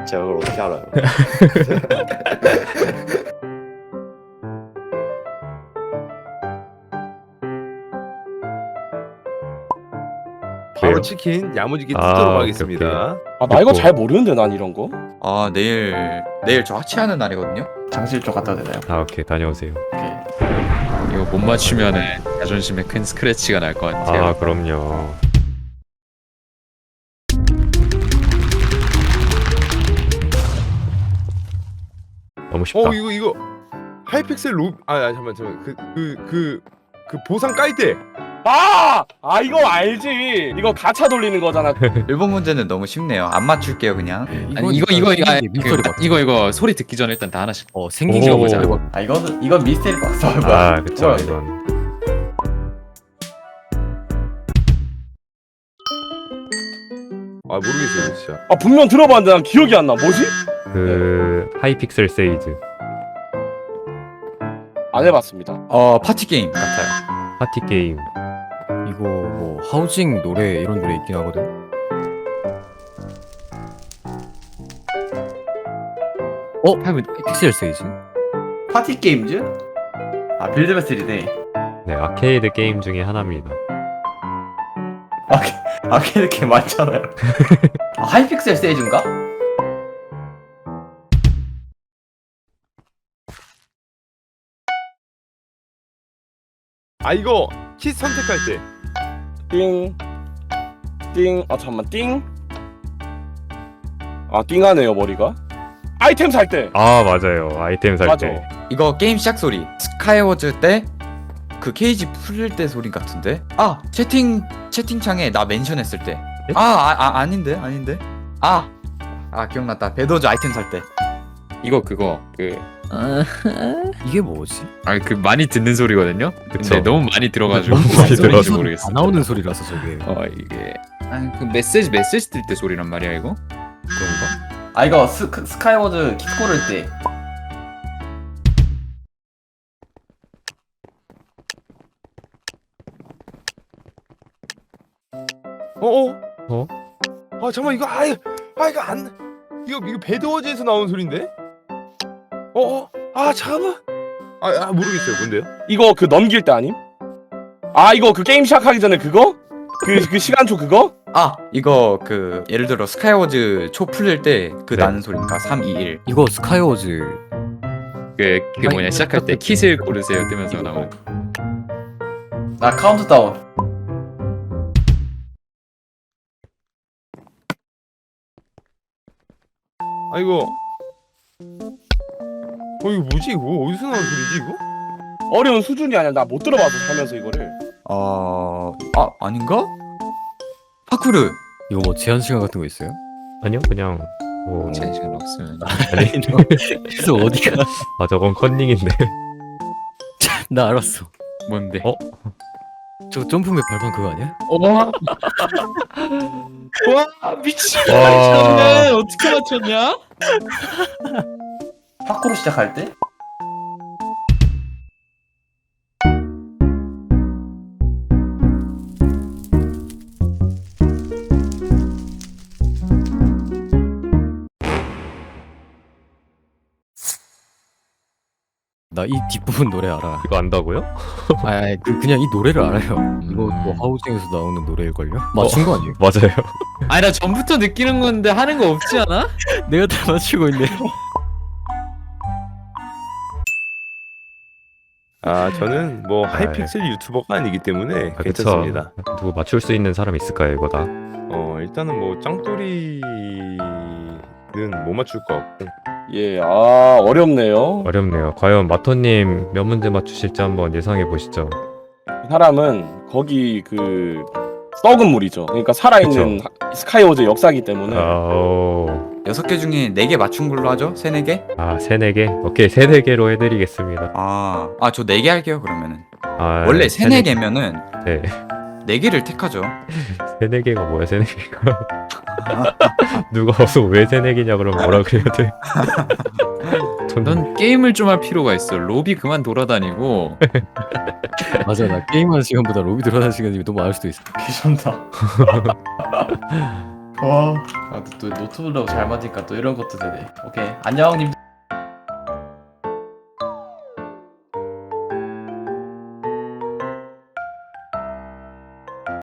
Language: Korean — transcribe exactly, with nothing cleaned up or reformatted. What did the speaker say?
제가 그걸 어떻게 알아요? 바로 왜요? 치킨 야무지게 아, 뜯도록 오케이, 하겠습니다. 아 나 이거 됐고. 잘 모르는데 난 이런 거. 아 내일 내일 저 하체하는 날이거든요. 장실 쪽 갖다 대나요? 아 오케이 다녀오세요. 오케이. 이거 못 맞추면은 자존심에 큰 스크래치가 날 것 같아요. 아 그럼요. 너무 쉽다. 어 이거 이거 하이픽셀 로. 아, 아 잠만 잠만 그 그 그 그 보상 깔 때. 아! 아 이거 알지. 이거 가차 돌리는 거잖아. 일본 문제는 너무 쉽네요. 안 맞출게요 그냥. 아니 이거 이거 이거 아니, 미스터리 그, 박스. 이거 이거 소리 듣기 전에 일단 다 하나씩 어 오. 생긴 거 보자. 아 이거는 이건 미스테리 박스. 아, 뭐야? 아 그쵸 뭐야, 이건. 아 모르겠어요 진짜. 아 분명 들어봤는데 난 기억이 안 나. 뭐지? 그 하이픽셀 세이즈 안 해봤습니다. 어 파티 게임 같아요. 파티 게임. 이거 뭐 하우징 노래 이런 노래 있긴 하거든. 어? 픽셀 세이지? 파티 게임즈? 아 빌드베스리네. 네 아케이드 게임 중에 하나입니다. 아케 아케이드 게임 맞잖아요. 아, 하이픽셀 세이즈인가? 아 이거 킷 선택할 때. 띵. 띵. 아 잠만 띵. 아 띵하네요 머리가. 아이템 살 때. 아 맞아요. 아이템 살 맞아. 때. 이거 게임 시작 소리. 스카이워즈 때 그 케이지 풀릴 때 소리 같은데. 아 채팅 채팅창에 나 멘션했을 때. 아, 아, 아 아닌데 아닌데. 아. 아 기억났다. 배도즈 아이템 살 때. 이거 그거 그 이게 뭐지? 아니 그 많이 듣는 소리거든요. 그쵸. 근데 너무 많이 들어가지고 너무 많이 무슨 소리인지 들어가지고. 모르겠어. 안 나오는 소리라서 저게. 어 이게 아니 그 메시지 메시지 뜰 때 소리란 말이야 이거. 그런가? 아 이거 스 스카이워즈 킥 고를 때. 어어. 어? 아 잠만 이거 아 이거 아 이거 안 이거 이거 배드워즈에서 나온 소린데? 어어. 아 잠깐. 아, 아 모르겠어요 뭔데요? 이거 그 넘길 때 아님? 아 이거 그 게임 시작하기 전에 그거? 그 그 시간초 그거? 아 이거 그 예를 들어 스카이워즈 초 풀릴 때 그 네. 나는 소리니까 삼, 이, 일. 이거 스카이워즈 그, 그 뭐냐 아니, 시작할 때 킷을 고르세요 뜨면서 나오는. 아 카운트다운. 아 이거. 어 이거 뭐지 이거 어디서 나온 소리지 이거? 어려운 수준이 아니야. 나 못 들어봐서 살면서 이거를. 어... 아 아닌가? 파쿠르. 이거 뭐 제한 시간 같은 거 있어요? 아니요 그냥 뭐. 제 시간 없으면. 아니. 그래서 어디가? 아 저건 컨닝인데. 나 알았어. 뭔데? 어? 저 점프맵 발판 그거 아니야? 와 미친. 와. 어떻게 맞췄냐? 파쿠로 시작할 때? 나 이 뒷부분 노래 알아. 이거 안다고요? 아, 아니, 그 그냥 이 노래를 알아요. 이거 뭐 음. 하우징에서 나오는 노래일걸요? 맞춘 거 아니에요? 맞아요. 아니 나 전부터 느끼는 건데 하는 거 없지 않아? 내가 다 맞추고 있네. 아 저는 뭐 아, 하이픽셀 유튜버가 아니기 때문에 아, 괜찮습니다. 그쵸. 누구 맞출 수 있는 사람 있을까요 이거 다? 어 일단은 뭐 짱돌이는 못 맞출 것 같고. 예. 아 어렵네요. 어렵네요. 과연 마토님 몇 문제 맞추실지 한번 예상해 보시죠. 이 사람은 거기 그 썩은 물이죠. 그러니까 살아있는 하- 스카이워즈 역사기 때문에. 아오. 여섯 개 중에 네 개 맞춘 걸로 하죠? 세네 개? 아 세네 개? 오케이 세네 개로 해드리겠습니다. 아, 아 저 네 개 할게요 그러면은. 아, 원래 세네 개면은 네. 네 개를 택하죠. 세네 개가 뭐야 세네 개가? 누가 와서 왜 세네 개냐 그러면 뭐라 그래야 돼? 전 넌 게임을 좀 할 필요가 있어. 로비 그만 돌아다니고. 맞아, 나 게임하는 시간보다 로비 들어가는 시간이 너무 많을 수도 있어. 귀찮다. 와. 아, 또 노트북으로 잘 맞으니까 또 이런 것도 되네. 오케이. 안녕, 님들.